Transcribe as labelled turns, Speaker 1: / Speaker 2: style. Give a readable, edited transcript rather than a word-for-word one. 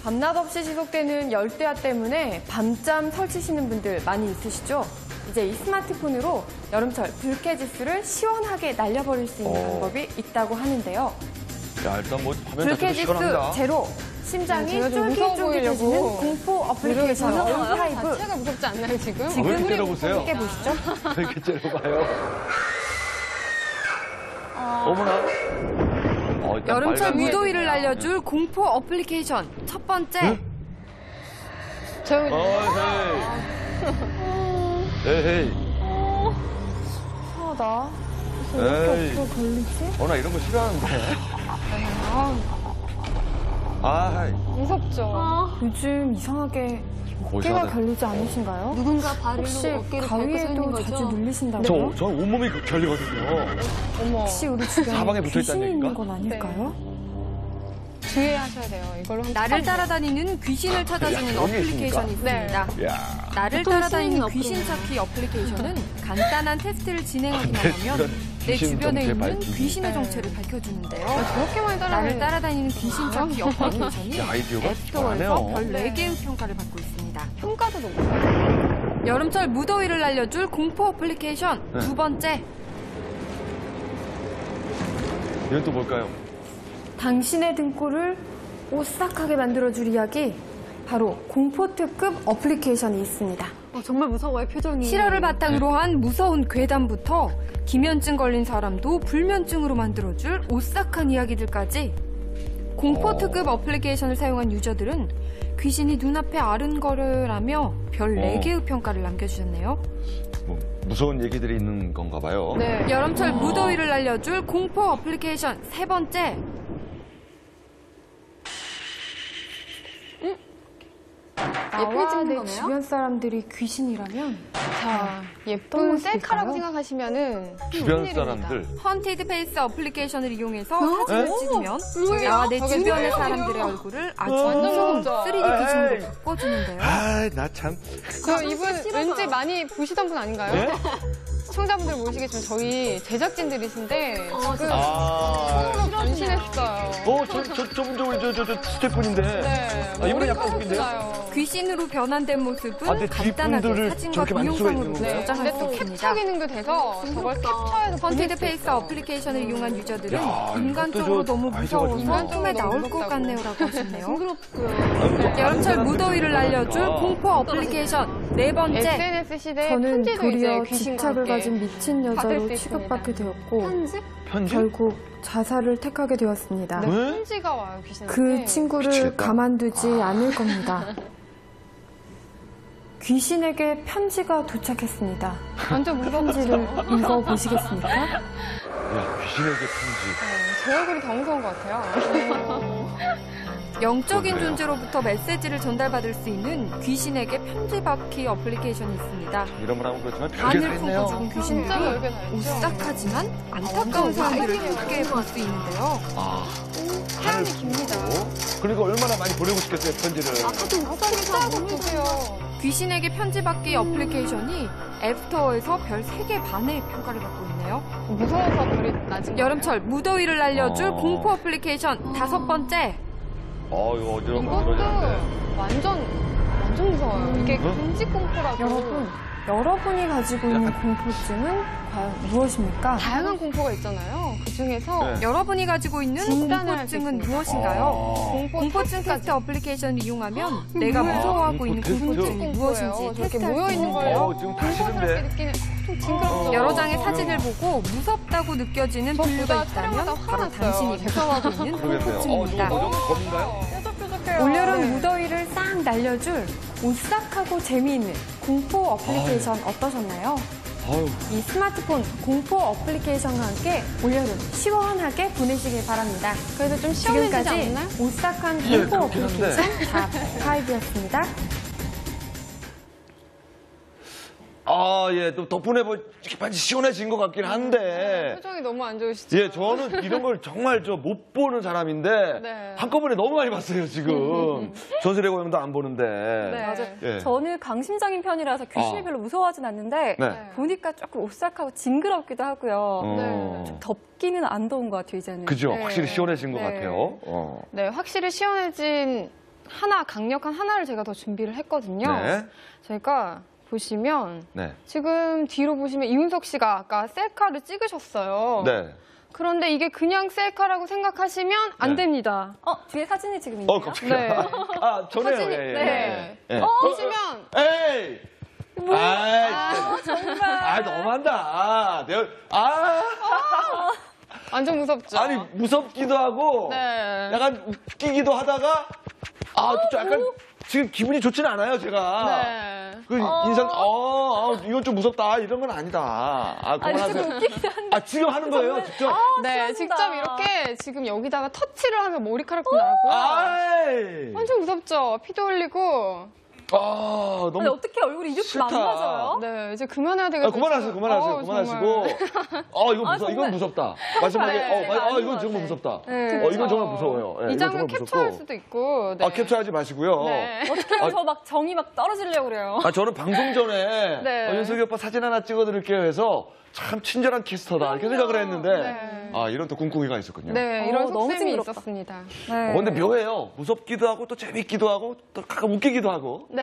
Speaker 1: 밤낮 없이 지속되는 열대야 때문에 밤잠 설치시는 분들 많이 있으시죠? 이제 이 스마트폰으로 여름철 불쾌지수를 시원하게 날려버릴 수 있는 방법이 있다고 하는데요.
Speaker 2: 야, 일단 뭐 화면 자체도
Speaker 1: 불쾌지수
Speaker 2: 시원합니다.
Speaker 1: 제로, 심장이 쫄깃쫄깃해지는 공포 어플리케이션 얼파이브.
Speaker 3: 자체가 무섭지 않나요, 지금?
Speaker 2: 왜 이렇게 째려보세요?
Speaker 1: 함께 보시죠.
Speaker 2: 왜 이렇게 째려봐요? 어머나. 일단
Speaker 4: 여름철
Speaker 2: 빨간
Speaker 4: 무더위를 날려줄 공포 어플리케이션 첫 번째.
Speaker 3: 조용히
Speaker 2: 에헤이.
Speaker 1: 이상하다.
Speaker 2: 에이.
Speaker 1: 이렇게 걸리지?
Speaker 2: 나 이런 거 싫어하는데. 아이.
Speaker 3: 무섭죠.
Speaker 1: 요즘 이상하게 어깨가
Speaker 2: 이상하다.
Speaker 1: 결리지 않으신가요?
Speaker 4: 누군가 발로
Speaker 1: 혹시
Speaker 4: 어깨를 밟고 서 있는
Speaker 1: 가위에도
Speaker 4: 거죠?
Speaker 1: 자주 눌리신다고요?
Speaker 2: 저 온몸이 결리거든요.
Speaker 3: 어머.
Speaker 1: 혹시 우리 주변에
Speaker 2: 사방에 붙어있다는
Speaker 1: 귀신이
Speaker 2: 얘기인가?
Speaker 1: 있는 건 아닐까요?
Speaker 3: 주의하셔야 돼요. 이걸로 한번
Speaker 4: 나를 따라다니는 귀신을 찾아주는
Speaker 2: 그런 게
Speaker 4: 어플리케이션이
Speaker 3: 있습니까?
Speaker 4: 있습니다.
Speaker 2: 야.
Speaker 4: 나를
Speaker 1: 보통
Speaker 4: 따라다니는
Speaker 1: 쓰이는
Speaker 4: 귀신 찾기 어플리케이션은 간단한 테스트를 진행하기만 하면
Speaker 2: 그런
Speaker 4: 내
Speaker 2: 귀신
Speaker 4: 주변에
Speaker 2: 정체
Speaker 4: 있는
Speaker 2: 밝히기.
Speaker 4: 귀신의 정체를 밝혀주는데요.
Speaker 3: 저렇게 많이
Speaker 4: 나를 따라다니는 귀신 찾기 어플리케이션이
Speaker 2: 야, 아이디어가
Speaker 4: 앱스토어에서
Speaker 2: 좋아하네요.
Speaker 4: 별 4개의 평가를 받고 있습니다.
Speaker 3: 평가도 너무
Speaker 4: 여름철 무더위를 날려줄 공포 어플리케이션
Speaker 2: 네.
Speaker 4: 두 번째.
Speaker 2: 이건 또 뭘까요?
Speaker 1: 당신의 등골을 오싹하게 만들어줄 이야기, 바로 공포특급 어플리케이션이 있습니다.
Speaker 3: 정말 무서워요, 표정이.
Speaker 4: 실화를 바탕으로 한 무서운 괴담부터 기면증 걸린 사람도 불면증으로 만들어줄 오싹한 이야기들까지 공포특급 어플리케이션을 사용한 유저들은 귀신이 눈앞에 아른거려라며 별 4개의 평가를 남겨주셨네요.
Speaker 2: 뭐 무서운 얘기들이 있는 건가 봐요.
Speaker 3: 네.
Speaker 4: 여름철 무더위를 날려줄 공포 어플리케이션 세 번째.
Speaker 1: 나와 내 주변 사람들이 귀신이라면
Speaker 3: 자,
Speaker 1: 어떤
Speaker 3: 예쁜
Speaker 1: 모습일까요?
Speaker 3: 셀카라고 생각하시면은
Speaker 2: 주변
Speaker 3: 큰일입니다.
Speaker 2: 사람들.
Speaker 4: 헌티드 페이스 어플리케이션을 이용해서 사진을
Speaker 2: 에?
Speaker 4: 찍으면 나와 내
Speaker 3: 저게
Speaker 4: 주변의
Speaker 3: 뭐예요?
Speaker 4: 사람들의 얼굴을 아주
Speaker 3: 완전
Speaker 4: 무서운
Speaker 3: 무섭죠?
Speaker 4: 3D 귀신으로 바꿔주는데요.
Speaker 2: 나 참.
Speaker 3: 저 이분 왠지 많이 보시던 분 아닌가요?
Speaker 2: 네?
Speaker 3: 시청자분들 모르시겠지만 저희 제작진들이신데 지금
Speaker 2: 아.
Speaker 3: 처음으로 변신했어요.
Speaker 2: 저분 저 스태프분인데.
Speaker 3: 네.
Speaker 2: 이분은 약간
Speaker 3: 머리가
Speaker 2: 웃긴데요?
Speaker 3: 없어요.
Speaker 4: 귀신으로 변환된 모습은
Speaker 2: 근데
Speaker 4: 간단하게
Speaker 2: 뒷분들을
Speaker 4: 사진과
Speaker 2: 저렇게 만들 수가 있는
Speaker 4: 동영상으로
Speaker 2: 건가요?
Speaker 3: 네.
Speaker 4: 저장할
Speaker 3: 근데
Speaker 4: 수
Speaker 3: 또
Speaker 4: 있습니다.
Speaker 3: 캡처 기능도 돼서 저걸 캡처해서 보낼
Speaker 4: 헌티드
Speaker 3: 수
Speaker 4: 페이스
Speaker 3: 있어요.
Speaker 4: 어플리케이션을 이용한 유저들은
Speaker 2: 야,
Speaker 4: 인간적으로
Speaker 2: 이것도 저
Speaker 4: 너무
Speaker 2: 아이디어가
Speaker 4: 무서워서
Speaker 2: 좋네요.
Speaker 4: 꿈에 나올 것
Speaker 3: 무섭다고.
Speaker 4: 같네요라고 하셨네요.
Speaker 3: 징그럽고요.
Speaker 4: 여름철 무더위를 날려줄 공포 어플리케이션 네 번째.
Speaker 3: SNS 시대에
Speaker 1: 저는
Speaker 3: 편지도
Speaker 1: 도리어
Speaker 3: 이제 귀신과
Speaker 1: 집착을
Speaker 3: 함께
Speaker 1: 가진 미친
Speaker 3: 받을
Speaker 1: 여자로
Speaker 3: 수
Speaker 1: 취급받게 되었고
Speaker 2: 편지?
Speaker 1: 결국 자살을 택하게 되었습니다.
Speaker 3: 네,
Speaker 2: 왜?
Speaker 3: 편지가 와요, 귀신한테.
Speaker 1: 그 친구를
Speaker 2: 미치겠다.
Speaker 1: 가만두지 않을 겁니다. 귀신에게 편지가 도착했습니다.
Speaker 3: 완전
Speaker 1: 편지를
Speaker 3: 무섭죠?
Speaker 1: 읽어보시겠습니까?
Speaker 2: 야, 귀신에게 편지.
Speaker 3: 제 얼굴이 더 무서운 것 같아요.
Speaker 4: 영적인
Speaker 2: 그러네요.
Speaker 4: 존재로부터 메시지를 전달받을 수 있는 귀신에게 편지 받기 어플리케이션이 있습니다.
Speaker 2: 이런 말 하면 그렇지만 별게 다
Speaker 4: 안을 품고
Speaker 2: 있네요.
Speaker 4: 죽은
Speaker 3: 진짜
Speaker 4: 귀신들이
Speaker 3: 별게 다 있죠.
Speaker 4: 오싹하지만 안타까운 사람들을 함께 볼 수 있는데요.
Speaker 3: 사연이 깁니다.
Speaker 2: 그러니까 얼마나 많이 보내고 싶겠어요, 편지를.
Speaker 3: 진짜로 보세요.
Speaker 4: 귀신에게 편지 받기 어플리케이션이 앱스토어에서 별 3개 반의 평가를 받고 있네요.
Speaker 3: 무서워서 별이 낮은 거예요?
Speaker 4: 여름철 무더위를 날려줄
Speaker 2: 어.
Speaker 4: 공포 어플리케이션 다섯 번째.
Speaker 2: 이거 어지럽고
Speaker 3: 이것도
Speaker 2: 어지러지는데.
Speaker 3: 완전 무서워요. 이게
Speaker 2: 응?
Speaker 3: 금지공포라고.
Speaker 1: 여러분이 가지고 있는 공포증은 과연 무엇입니까?
Speaker 3: 다양한 공포가 있잖아요. 그 중에서
Speaker 2: 네.
Speaker 4: 여러분이 가지고 있는
Speaker 3: 진단을 할수
Speaker 4: 공포증은
Speaker 3: 있습니다.
Speaker 4: 무엇인가요? 공포증 테스트 어플리케이션을 이용하면 내가 무서워하고 있는
Speaker 2: 공포 테스트?
Speaker 4: 공포증이 무엇인지
Speaker 3: 저렇게
Speaker 4: 테스트할 수
Speaker 3: 모여있는 거예요.
Speaker 4: 있는데요.
Speaker 2: 지금 다
Speaker 3: 공포스럽게
Speaker 2: 싫은데.
Speaker 3: 느끼는 좀 징그럽죠.
Speaker 4: 여러 장의 사진을 보고 무섭다고 느껴지는
Speaker 3: 저
Speaker 4: 분류가
Speaker 3: 보다
Speaker 4: 있다면
Speaker 3: 촬영하다
Speaker 4: 바로
Speaker 3: 화났어요.
Speaker 4: 당신이 무서워하고 있는
Speaker 2: 그러겠네요.
Speaker 4: 공포증입니다.
Speaker 2: 저거 뭐죠? 검인가요?
Speaker 3: 뾰족뾰족해요.
Speaker 1: 올여름
Speaker 3: 네.
Speaker 1: 무더위를 싹 날려줄 오싹하고 재미있는 공포 어플리케이션 어떠셨나요?
Speaker 2: 아유,
Speaker 1: 이 스마트폰 공포 어플리케이션과 함께 올여름 시원하게 보내시길 바랍니다.
Speaker 3: 그래도 좀 시원해지지
Speaker 1: 지금까지
Speaker 3: 않나요?
Speaker 1: 오싹한
Speaker 2: 예,
Speaker 1: 공포
Speaker 2: 그렇긴 한데.
Speaker 1: 어플리케이션 자5였습니다.
Speaker 2: 예, 또 덕분에 뭐 이렇게 많이 시원해진 것 같긴 한데.
Speaker 3: 표정이 너무 안 좋으시죠?
Speaker 2: 예, 저는 이런 걸 정말 못 보는 사람인데
Speaker 3: 네.
Speaker 2: 한꺼번에 너무 많이 봤어요, 지금. 전설의 고향도 안 보는데.
Speaker 3: 네.
Speaker 5: 맞아요.
Speaker 2: 예.
Speaker 5: 저는 강심장인 편이라서 귀신이
Speaker 2: 아.
Speaker 5: 별로 무서워하진 않는데
Speaker 2: 네.
Speaker 5: 보니까 조금 오싹하고 징그럽기도 하고요.
Speaker 3: 네.
Speaker 5: 덥기는 안 더운 것 같아요, 이제는.
Speaker 2: 그죠?
Speaker 3: 네.
Speaker 2: 확실히 시원해진 것
Speaker 5: 네.
Speaker 2: 같아요.
Speaker 3: 네, 확실히 시원해진 강력한 하나를 제가 더 준비를 했거든요.
Speaker 2: 네.
Speaker 3: 저희가 보시면
Speaker 2: 네.
Speaker 3: 지금 뒤로 보시면 이윤석 씨가 아까 셀카를 찍으셨어요.
Speaker 2: 네.
Speaker 3: 그런데 이게 그냥 셀카라고 생각하시면 안
Speaker 2: 네.
Speaker 3: 됩니다.
Speaker 5: 뒤에 사진이 지금 있네요.
Speaker 2: 갑자기.
Speaker 3: 네.
Speaker 2: 아, 전에요.
Speaker 3: 사진이-
Speaker 2: 예, 예,
Speaker 3: 네.
Speaker 2: 예. 예.
Speaker 3: 보시면
Speaker 2: 에이! 정말. 너무한다.
Speaker 3: 완전 무섭죠.
Speaker 2: 아니, 무섭기도 하고,
Speaker 3: 네.
Speaker 2: 약간 웃기기도 하다가, 또 약간, 지금 기분이 좋지는 않아요, 제가.
Speaker 3: 네.
Speaker 2: 그 인상, 이건 좀 무섭다. 이런 건 아니다. 그만하세요. 지금 하는 거예요, 직접?
Speaker 3: 네, 직접 이렇게 지금 여기다가 터치를 하면 머리카락도 나고요.
Speaker 2: 아이!
Speaker 3: 완전 무섭죠. 피도 흘리고.
Speaker 2: 너무.
Speaker 5: 아니, 어떻게 얼굴이 이렇게
Speaker 2: 싫다.
Speaker 5: 망가져요?
Speaker 3: 네, 이제 그만해야 되겠어요.
Speaker 2: 그만하세요. 그만하시고. 이건 무섭다. 마지막에,
Speaker 3: 네,
Speaker 2: 이건 정말 무섭다.
Speaker 3: 네,
Speaker 2: 이건 정말 무서워요. 예,
Speaker 3: 이
Speaker 2: 이건
Speaker 3: 장면
Speaker 2: 정말
Speaker 3: 캡처할
Speaker 2: 무섭고.
Speaker 3: 수도 있고. 네.
Speaker 2: 캡처하지 마시고요.
Speaker 3: 네.
Speaker 5: 어떻게 하면 저 막 정이 막 떨어지려고 그래요.
Speaker 2: 저는 방송 전에
Speaker 3: 네.
Speaker 2: 윤석이 오빠 사진 하나 찍어드릴게요 해서 참 친절한 캐스터다 이렇게 생각을 했는데
Speaker 3: 네.
Speaker 2: 이런 또 꿍꿍이가 있었군요.
Speaker 3: 네, 이런
Speaker 5: 너무
Speaker 3: 속셈이
Speaker 5: 징그럽다.
Speaker 3: 있었습니다.
Speaker 5: 네.
Speaker 2: 근데 묘해요. 무섭기도 하고 또 재밌기도 하고 또 가끔 웃기기도 하고.
Speaker 3: 네.